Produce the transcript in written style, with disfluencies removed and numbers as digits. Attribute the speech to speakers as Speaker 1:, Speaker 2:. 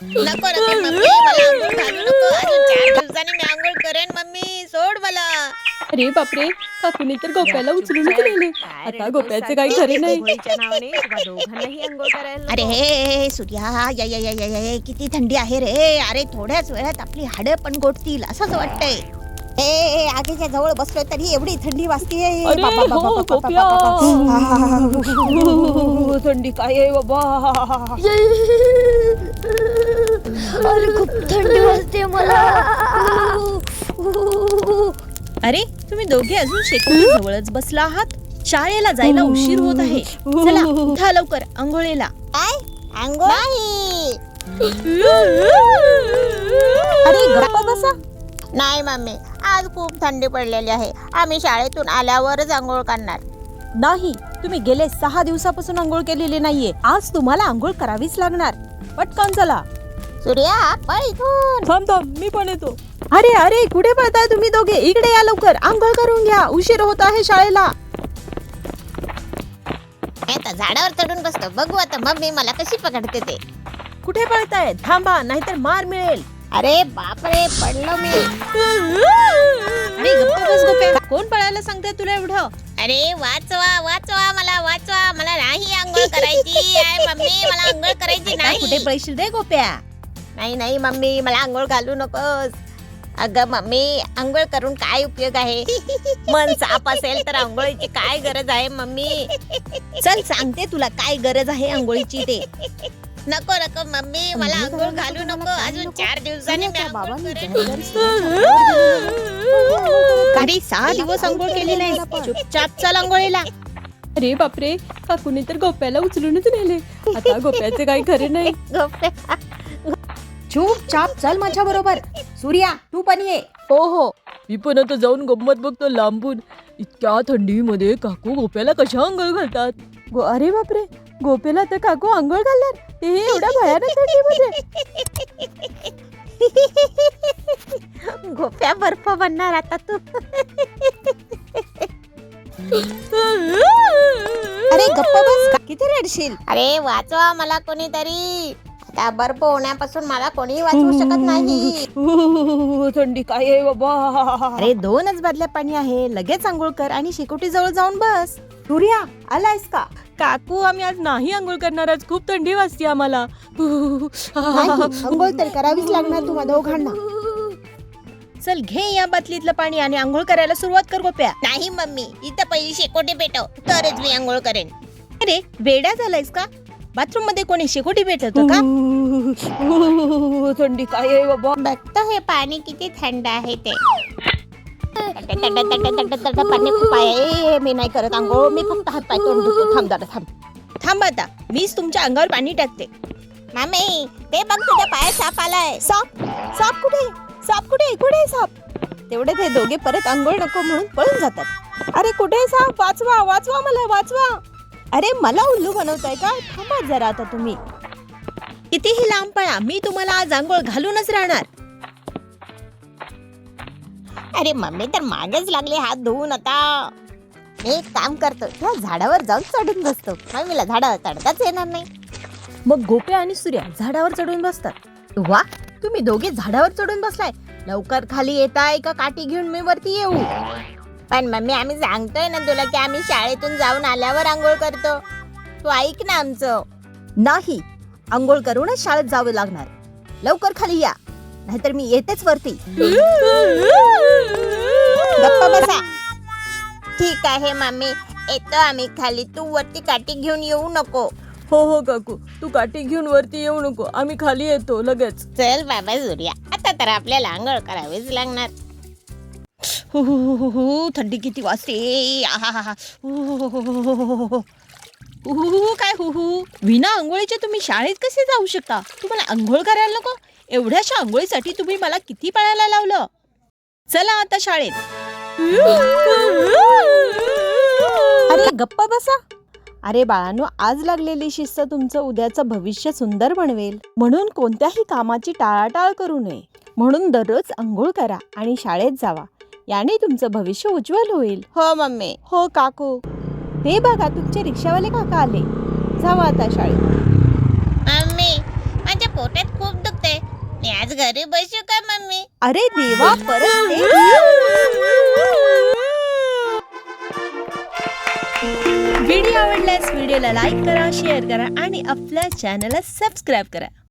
Speaker 1: नको नको मम्मी, मला आंघोळ घालू नको. अजून 4 दिवसांनी मी आंघोळ करेन. मम्मी सोड मला.
Speaker 2: अरे बापरे, काकूने तर गोप्याला उचलूनच नेले. आता गोप्याचे काही खरे नाही.
Speaker 3: आंघोळीच्या नावाने तुम्हा दोघांनाही आंघोळ करायला
Speaker 1: अरे
Speaker 3: नको.
Speaker 1: हे सूर्या, या या या या या या, किती थंडी आहे रे. अरे थोड्याच वेळात आपली हाडं पण गोठतील असंच वाटतंय. ए आगीच्या जवळ बसलोय तरी एवढी थंडी वाजतीये.
Speaker 2: अरे
Speaker 1: बाबा, बाबा,
Speaker 2: हो,
Speaker 1: बाबा,
Speaker 2: गोप्या.
Speaker 1: बाबा. थंडी काय आहे बाबा.
Speaker 4: अरे खूप थंडी वाजते मला.
Speaker 1: अरे तुम्ही दोघे अजून शेकोटी जवळच बसला आहात. शाळेला जायला उशीर होत आहे. चला उठा लवकर आंघोळीला. काय आंघोळ नाही. अरे गप्पा बसा. नाही मम्मी, आज खूप थंडी पडलेली आहे. आम्ही शाळेतून आल्यावरच आंघोळ करणार. नाही, तुम्ही गेले 6 दिवसापासून आंघोळ केलेली नाहीये. आज तुम्हाला आंघोळ करावीच लागणार. पटकन चला. सूर्या पळ इथून.
Speaker 2: थांब थांब, मी पण येतो.
Speaker 1: अरे अरे कुठे पळताय तुम्ही दोघे? इकडे या लवकर, आंघोळ करून घ्या. उशीर होत आहे शाळेला. आता झाडावर चढून बसतो. बघू आता मम्मी मला कशी पकडते ते. कुठे पळताय? थांबा, नाहीतर मार मिळेल. अरे बापरे, पडलो मी. अरे गप्प बस गोप्या. कोण पळायला सांगते तुला एवढं? अरे वाचवा वाचवा, मला वाचवा. मला नाही आंघोळ करायची आहे मम्मी, मला आंघोळ करायची नाही. कुठे पळशील रे गोप्या? नाही नाही मम्मी, मला आंघोळ घालू नकोस. अगं मम्मी, आंघोळ करून काय उपयोग आहे? मन साफ असेल तर आंघोळीची काय गरज आहे मम्मी? चल सांगते तुला काय गरज आहे आंघोळीची ते. नको नको मम्मी, मला आंघोळ घालू नको. अजून 4 दिवसांनी मी आंघोळ करेन. अरे 6 दिवस आंघोळ केली नाही. चुपचाप चल आंघोळीला.
Speaker 2: अरे बापरे, काकूने तर गोप्याला उचलूनच नेले. आता गोप्याचे काही खरे नाही.
Speaker 1: चुपचाप चल माझ्या बरोबर. सूर्या तू पण ये.
Speaker 2: हो हो, मी पण आता जाऊन गंमत बघतो लांबून. इतक्या थंडीमध्ये काकू गोप्याला कशा आंघोळ घालतात. अरे बापरे, गोप्याला तर काकू आंघोळ घालणार, ते एवढ्या भयानक थंडीमध्ये.
Speaker 1: गोप्या बर्फ बनणार आता तू. अरे गप्प बस, किती रडशील. अरे वाचवा मला कोणीतरी. आता बर्फ होण्यापासून मला कोणी वाचवू शकत नाही.
Speaker 2: थंडी काय आहे बाबा.
Speaker 1: अरे 2च बादल्या पाणी आहे. लगेच आंघोळ कर आणि शेकोटी जवळ जाऊन बस. सूर्या आलायस का?
Speaker 2: काकू, आम्ही आज नाही आंघोळ करणार. आज खूप थंडी वाजते आम्हाला.
Speaker 1: आंघोळ तर करावीच लागणार तुम्हा दोघांना. चल घे या बाटलीतलं पाणी आणि आंघोळ करायला सुरुवात कर गोप्या. नाही मम्मी, इथं पहिली शेकोटी पेटव, तरच मी आंघोळ करेन. अरे वेडा झालायस का? बाथरूम मध्ये कोणी शेकोटी पेटवतं का?
Speaker 2: थंडी काय आहे बाबा.
Speaker 1: बघतो हे पाणी किती थंड आहे ते. पाणी खूप आहे. मी नाही करत आंघोळ, मी फक्त हात पाय तोंड धुतो. थांब दादा थांब. थांब आता, मीच तुमच्या अंगावर पाणी टाकते. मामी ते बघ, तुझ्या पायात साप आलाय. साप? साप कुठे? साप कुठे? कुठे साप? तेवढे ते दोघे परत आंघोळ नको म्हणून पळून जातात. अरे कुठे साप? वाचवा वाचवा, मला वाचवा. अरे मला उल्लू बनवताय का? थांबा जरा आता तुम्ही. कितीही लांब पळा, मी तुम्हाला आज आंघोळ घालूनच राहणार. अरे मम्मी तर मागेच लागले हात धुवून. आता मी एक काम करतो, त्या झाडावर जाऊन चढून बसतो. मम्मीला झाडावर चढताच येणार नाही. मग गोप्या आणि सूर्या झाडावर चढून बसतात. वा, तुम्ही दोघे झाडावर चढून बसलाय. लवकर खाली येताय का काठी घेऊन मी वरती येऊ? पण मम्मी, आम्ही सांगतोय ना तुला की आम्ही शाळेतून जाऊन आल्यावर आंघोळ करतो. तू ऐक ना आमचं. नाही, आंघोळ करूनच शाळेत जावं लागणार. लवकर खाली या, नाहीतर मी येतेच वरती. गप्पा बसा. ठीक आहे मम्मी, येतो आम्ही खाली. तू वरती काठी घेऊन येऊ नको.
Speaker 2: हो हो काकू, तू काठी घेऊन वरती येऊ नको, आम्ही खाली येतो लगेच.
Speaker 1: चल बाबा सूर्या, आता तर आपल्याला आंघोळ करावीच लागणार. थंडी किती वाजते. काय विना आंघोळीचे तुम्ही शाळेत कसे जाऊ शकता? तुम्हाला आंघोळ करायला नको? एवढ्याशा आंघोळीसाठी तुम्ही मला किती पळायला लावलं. चला आता शाळेत. अरे गप्पा बसा. अरे बाळांनो, आज लागलेली शिस्त तुमचं उद्याचं भविष्य सुंदर बनवेल. म्हणून कोणत्याही कामाची टाळाटाळ करू नये. म्हणून दररोज आंघोळ करा आणि शाळेत जावा. याने तुमचं भविष्य उज्ज्वल होईल. हो मम्मी. हो काकू. हे बघा, तुमचे रिक्षावाले काका आले. जावा आता शाळेत. मम्मी, माझ्या पोटात खूप दुखत आज घरी बसू का मम्मी?
Speaker 2: अरे देवा, परत ते? व्हिडिओ आवडल्यास व्हिडिओला लाईक करा, शेअर करा आणि आपल्या चॅनलला सबस्क्राईब करा.